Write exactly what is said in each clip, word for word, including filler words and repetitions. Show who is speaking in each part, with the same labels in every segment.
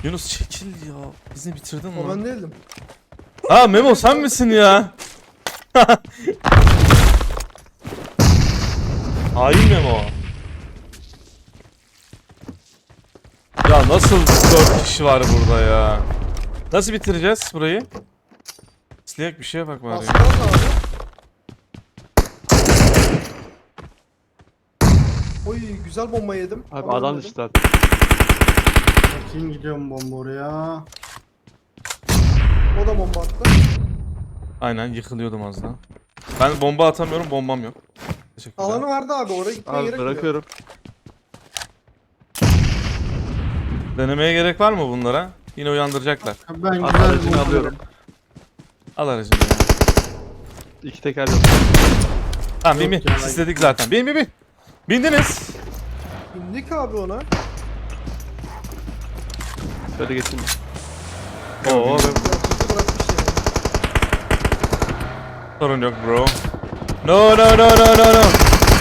Speaker 1: Yunus çekil ya. Bizi bitirdin
Speaker 2: O
Speaker 1: mi?
Speaker 2: ben değildim.
Speaker 1: Ha Memo sen misin ya? Hain Memo. Ya nasıl dört kişi var burada ya? Nasıl bitireceğiz burayı? İsteyek bir şeye bak bari.
Speaker 2: Aslında abi. Oy güzel bomba yedim.
Speaker 3: Abi
Speaker 2: Ama
Speaker 3: adam
Speaker 2: ölmedim.
Speaker 3: düştü abi.
Speaker 4: Bakayım gidiyorum bomba oraya.
Speaker 2: O da bomba attı.
Speaker 1: Aynen yıkılıyordum az daha. Ben bomba atamıyorum, bombam yok. Teşekkürler.
Speaker 2: Alanı vardı abi oraya gitmeye
Speaker 3: Abi
Speaker 2: gerek yok.
Speaker 3: bırakıyorum.
Speaker 1: Denemeye gerek var mı bunlara? Yine uyandıracaklar.
Speaker 4: Ben
Speaker 3: Abi
Speaker 4: güzel
Speaker 3: aracını
Speaker 4: bomba
Speaker 3: alıyorum.
Speaker 1: Al aracını ya.
Speaker 3: İki teker yok.
Speaker 1: Tamam bin
Speaker 4: Yok
Speaker 1: bin.
Speaker 4: ya,
Speaker 1: Sistedik zaten. Bin bin bin. Bindiniz.
Speaker 2: İndik abi ona.
Speaker 3: Şöyle geçeyim.
Speaker 1: Oo,
Speaker 3: Oo,
Speaker 2: Ya kutu bırakmış yani.
Speaker 1: sorun yok bro. No no no no no no.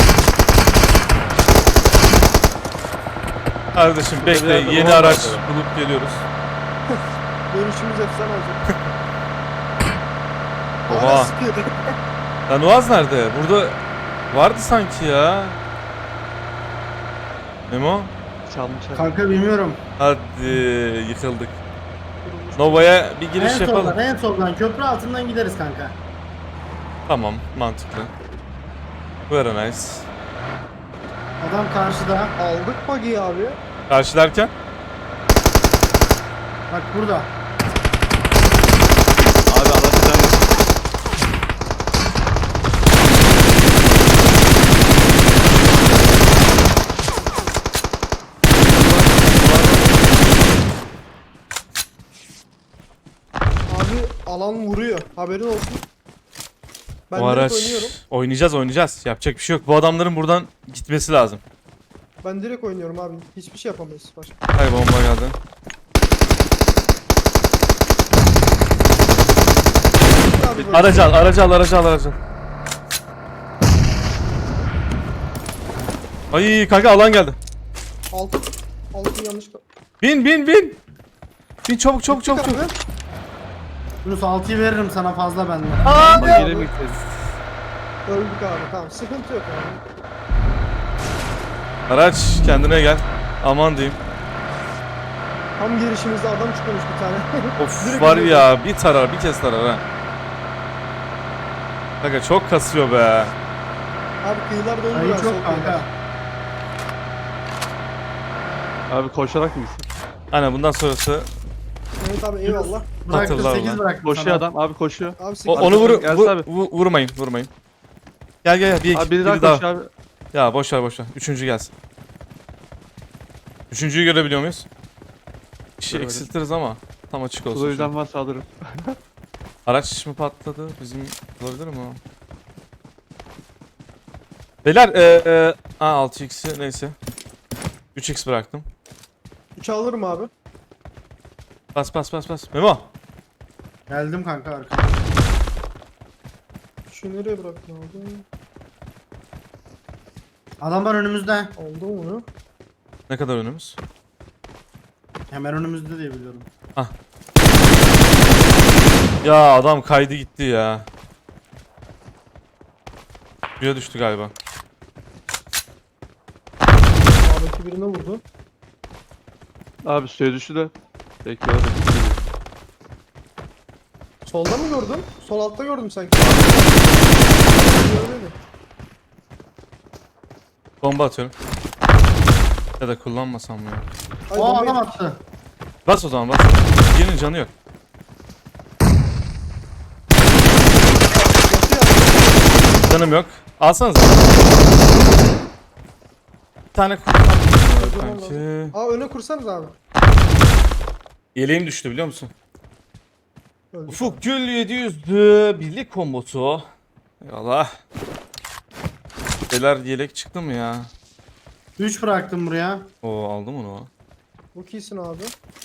Speaker 1: Kardeşim bekle,
Speaker 3: bir yerde
Speaker 1: yeni
Speaker 3: bomba
Speaker 1: araç
Speaker 3: var.
Speaker 1: bulup geliyoruz.
Speaker 2: Dönüşümüz efsane olacak.
Speaker 1: Oha.
Speaker 2: Hala sıkıyor.
Speaker 1: Lan Uaz nerede? Burada vardı sanki ya. Memo?
Speaker 3: çalmışlar.
Speaker 4: Kanka bilmiyorum.
Speaker 1: Hadi yıkıldık. Nova'ya bir giriş
Speaker 4: En
Speaker 1: yapalım.
Speaker 4: soldan, en soldan köprü altından gideriz kanka.
Speaker 1: Tamam, mantıklı. Very nice.
Speaker 4: Adam karşıda.
Speaker 2: Aldık buggy'i abi.
Speaker 1: Karşılarken?
Speaker 4: Bak burada.
Speaker 3: Abi anlatacağım.
Speaker 2: Abi alan vuruyor. Haberin olsun. Ben
Speaker 1: O
Speaker 2: direkt
Speaker 1: araç.
Speaker 2: oynuyorum.
Speaker 1: Oynayacağız oynayacağız. Yapacak bir şey yok. Bu adamların buradan gitmesi lazım.
Speaker 2: Ben direkt oynuyorum abi. Hiçbir şey yapamayız başka.
Speaker 1: Hay bomba geldi.
Speaker 2: Abi böyle.
Speaker 1: Aracı al, aracı al, aracı al, aracı al. Ay kanka alan geldi.
Speaker 2: Altı. Altı yanlış.
Speaker 1: Bin bin bin. Bin çabuk çabuk çabuk çabuk.
Speaker 2: Abi.
Speaker 4: Yunus altıyı veririm sana fazla benden.
Speaker 3: Ama geri mi gideceğiz?
Speaker 2: Öldük abi. Tamam sıkıntı yok abi.
Speaker 1: Araç kendine gel. Aman diyeyim.
Speaker 2: Tam girişimizde adam çıkmış bir tane.
Speaker 1: Of
Speaker 2: Direkt
Speaker 1: var
Speaker 2: gidiyor.
Speaker 1: ya bir tarar bir kez tarar ha. Kanka çok kasıyor be.
Speaker 2: Abi kıyılar doldu
Speaker 4: Sayı
Speaker 2: ya. sol
Speaker 4: çok kanka.
Speaker 2: kıyılar.
Speaker 3: Abi koşarak mı gitsin?
Speaker 1: Aynen bundan sonrası
Speaker 2: Evet abi eyvallah.
Speaker 4: Bıraktım
Speaker 1: Hatırlar
Speaker 4: sekiz
Speaker 1: lan.
Speaker 4: bıraktım
Speaker 3: Koşuyor
Speaker 4: sana.
Speaker 3: adam. Abi koşuyor.
Speaker 2: Abi
Speaker 1: o,
Speaker 2: sekiz.
Speaker 1: onu vur,
Speaker 3: Gelsin
Speaker 1: vur-
Speaker 3: abi.
Speaker 1: vu- vurmayın vurmayın. Gel gel gel bir,
Speaker 3: Abi biri
Speaker 1: biri
Speaker 3: daha
Speaker 1: daha.
Speaker 3: koşuyor abi.
Speaker 1: Ya boş ver boş ver. Üçüncü gelsin. Üçüncüyü görebiliyor muyuz? Bir şey
Speaker 3: Göremedim.
Speaker 1: eksiltiriz ama tam açık olsun.
Speaker 3: O
Speaker 1: şimdi.
Speaker 3: yüzden varsa alırım.
Speaker 1: Araç mı patladı? Bizim olabilir mi o? Beyler eee e, ha altı x'i neyse. üç x bıraktım.
Speaker 2: üçü alırım abi.
Speaker 1: Bas bas bas bas. Memo.
Speaker 4: Geldim kanka arkaya.
Speaker 2: Şu nereye bıraktın abi?
Speaker 4: Adamlar önümüzde.
Speaker 2: Aldım onu.
Speaker 1: Ne kadar önümüz?
Speaker 4: Hemen önümüzde diye biliyorum.
Speaker 1: Ya adam kaydı gitti ya. Suya düştü galiba.
Speaker 2: Sağdaki birine vurdu.
Speaker 3: Abi suya düştü de. Bekliyorum.
Speaker 2: Solda mı gördün? Sol altta gördüm sanki. Öyleydi.
Speaker 1: Bomba atıyorum. Ya da kullanmasam mı ya?
Speaker 2: Ay,
Speaker 4: O
Speaker 2: bombayı-
Speaker 4: adam attı.
Speaker 1: Bas o zaman bas. Birinin canı yok.
Speaker 2: Yatıyor.
Speaker 1: Canım yok. Alsanıza. Bir tane kurtar. Kanki.
Speaker 2: Aa öne kursanız abi.
Speaker 1: Yeleğim düştü biliyor musun?
Speaker 2: Öldük.
Speaker 1: Ufuk Gül yedi yüzdü. Birlik kombosu. Eyvallah. Beyler yelek çıktı mı ya?
Speaker 4: üç bıraktım buraya.
Speaker 1: Oo aldım onu.
Speaker 2: Bu iyisin abi.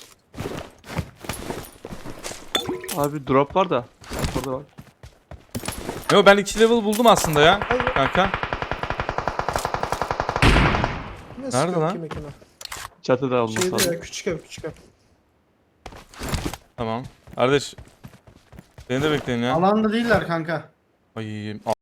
Speaker 3: Abi drop var da. Orada var.
Speaker 1: Yo ben iki level buldum aslında ya.
Speaker 2: Hayır.
Speaker 1: Kanka.
Speaker 2: Ne
Speaker 1: Nerede
Speaker 2: sıkıyor
Speaker 1: lan?
Speaker 2: ki mekana?
Speaker 3: Çatıda olması
Speaker 2: Şeyde
Speaker 3: lazım.
Speaker 2: ya küçük ev küçük ev.
Speaker 1: Tamam. Kardeş. Beni de bekleyin ya.
Speaker 4: Alanda değiller kanka.
Speaker 1: Ay